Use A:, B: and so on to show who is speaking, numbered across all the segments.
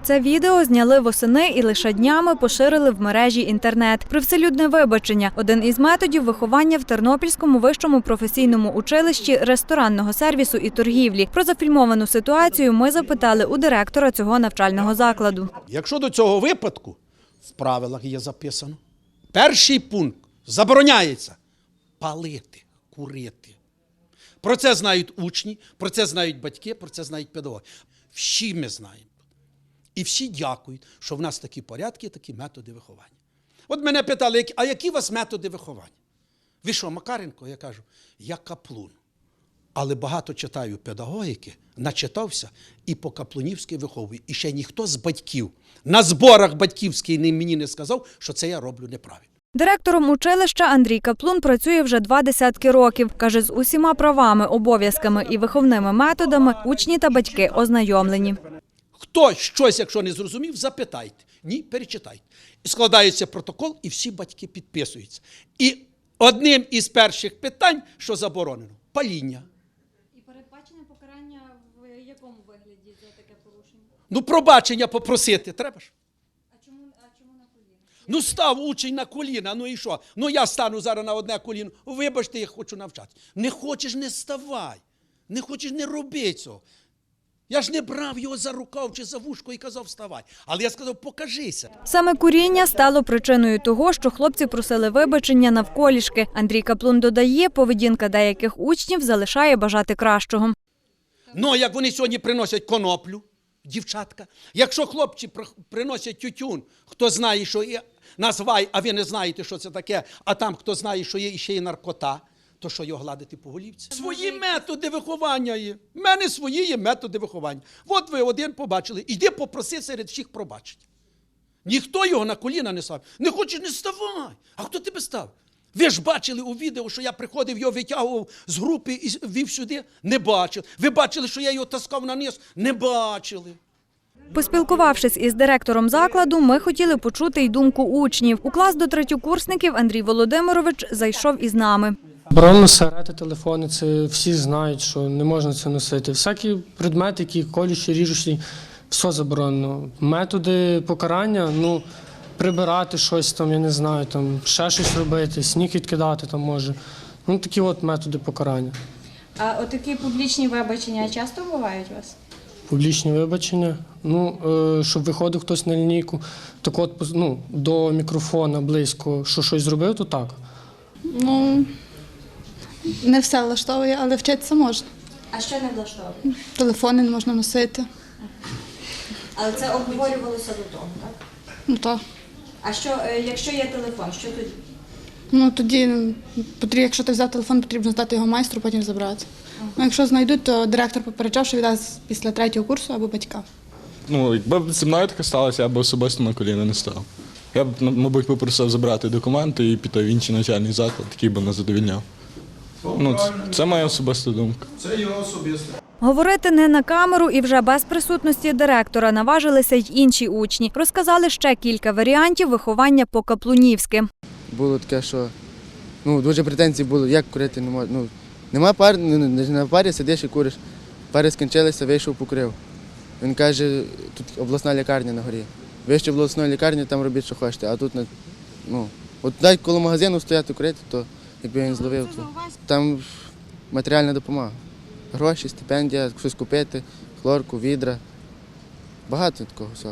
A: Це відео зняли восени і лише днями поширили в мережі інтернет. Привселюдне вибачення – один із методів виховання в Тернопільському вищому професійному училищі ресторанного сервісу і торгівлі. Про зафільмовану ситуацію ми запитали у директора цього навчального закладу.
B: Якщо до цього випадку в правилах є записано, перший пункт – забороняється палити, курити. Про це знають учні, про це знають батьки, про це знають педагоги. Всі ми знаємо. І всі дякують, що в нас такі порядки, такі методи виховання. От мене питали, а які у вас методи виховання? Ви що, Макаренко? Я кажу, я каплун. Але багато читаю педагогіки, начитався і по-каплунівськи виховую. І ще ніхто з батьків на зборах батьківських мені не сказав, що це я роблю неправильно.
A: Директором училища Андрій Каплун працює вже 20 років. Каже, з усіма правами, обов'язками і виховними методами учні та батьки ознайомлені.
B: Хто щось, якщо не зрозумів, запитайте. Ні, перечитайте. І складається протокол, і всі батьки підписуються. І одним із перших питань, що заборонено – паління.
A: І передбачене покарання в якому вигляді за таке порушення?
B: Ну, пробачення попросити треба ж.
A: А чому на коліна?
B: Ну, став учень на коліна, ну і що? Ну, я стану зараз на одне коліно. Вибачте, я хочу навчати. Не хочеш – не ставай. Не хочеш – не роби цього. Я ж не брав його за рукав чи за вушко і казав вставай. Але я сказав, покажися.
A: Саме куріння стало причиною того, що хлопці просили вибачення навколішки. Андрій Каплун додає, поведінка деяких учнів залишає бажати кращого.
B: Ну, як вони сьогодні приносять коноплю, дівчатка, якщо хлопці приносять тютюн, хто знає, що є назвай, а ви не знаєте, що це таке, а там хто знає, що є ще й наркота, то що його гладити по голівці? Свої методи виховання є. В мене свої є методи виховання. От ви один побачили, іди попроси серед всіх пробачення. Ніхто його на коліна не став. Не хочеш, не ставай. А хто тебе став? Ви ж бачили у відео, що я приходив, його витягував з групи і вів сюди? Не бачили. Ви бачили, що я його таскав на низ? Не бачили.
A: Поспілкувавшись із директором закладу, ми хотіли почути й думку учнів. У клас до третьокурсників Андрій Володимирович зайшов із нами.
C: Заборонено сигарети, телефони, це всі знають, що не можна це носити. Всякі предмети, які колючі, ріжучі, все заборонено. Методи покарання, ну, прибирати щось там, я не знаю, там, ще щось робити, сніг відкидати там може. Ну, такі от методи покарання.
D: А отакі публічні вибачення часто бувають у вас?
C: Публічні вибачення, ну, щоб виходив хтось на лінійку, так от, ну, до мікрофона близько, що щось зробив, то так.
E: Ну, не все влаштовує, але вчитися можна.
D: А що не влаштовує?
E: Телефони не можна носити.
D: Але це обговорювалося до того, так?
E: Ну так.
D: А що, якщо є телефон, що тоді?
E: Ну тоді, якщо ти взяв телефон, потрібно здати його майстру, потім забрати. Ну, якщо знайдуть, то директор попереджав, що віддасть після 3-го курсу або батькам.
F: Ну, якби зі мною таке сталося, я б особисто на коліна не став. Я б, мабуть, попросив забрати документи і піти в інший навчальний заклад, який би не задовільняв. Ну, це моя особиста думка.
B: Це його особисте.
A: Говорити не на камеру і вже без присутності директора наважилися й інші учні. Розказали ще кілька варіантів виховання по-каплунівськи.
G: Було таке, що дуже претензій було, як курити не можна. Нема пар, на парі сидиш і куриш. Пари скінчилися, вийшов, покурив. Він каже, тут обласна лікарня на горі. Вище обласної лікарні, там робіть, що хочете. А тут, от навіть коло магазину стояти курити, то якби він зловив, то там матеріальна допомога. Гроші, стипендія, щось купити, хлорку, відра. Багато такого всякого.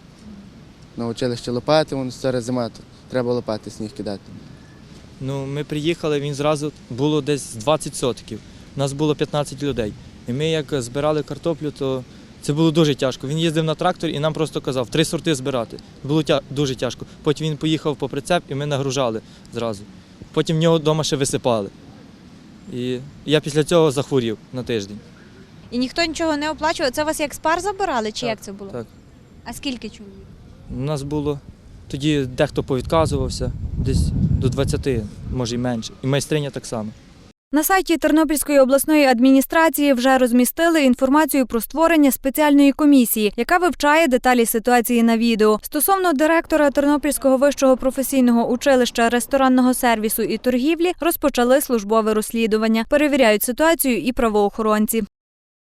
G: На училище лопати, воно зараз зима, то треба лопати, сніг кидати.
H: Ну, ми приїхали, він зразу було десь 20 сотків. Нас було 15 людей. І ми як збирали картоплю, то це було дуже тяжко. Він їздив на тракторі і нам просто казав, 3 сорти збирати. Було дуже тяжко. Потім він поїхав по прицеп і ми нагружали зразу. Потім в нього вдома ще висипали. І я після цього захворів на тиждень.
D: І ніхто нічого не оплачував? Це вас як з пар забирали, чи як це було?
H: Так.
D: А скільки чоловік?
H: У нас було, тоді дехто повідказувався, десь до 20, може й менше. І майстриня так само.
A: На сайті Тернопільської обласної адміністрації вже розмістили інформацію про створення спеціальної комісії, яка вивчає деталі ситуації на відео. Стосовно директора Тернопільського вищого професійного училища ресторанного сервісу і торгівлі розпочали службове розслідування. Перевіряють ситуацію і правоохоронці.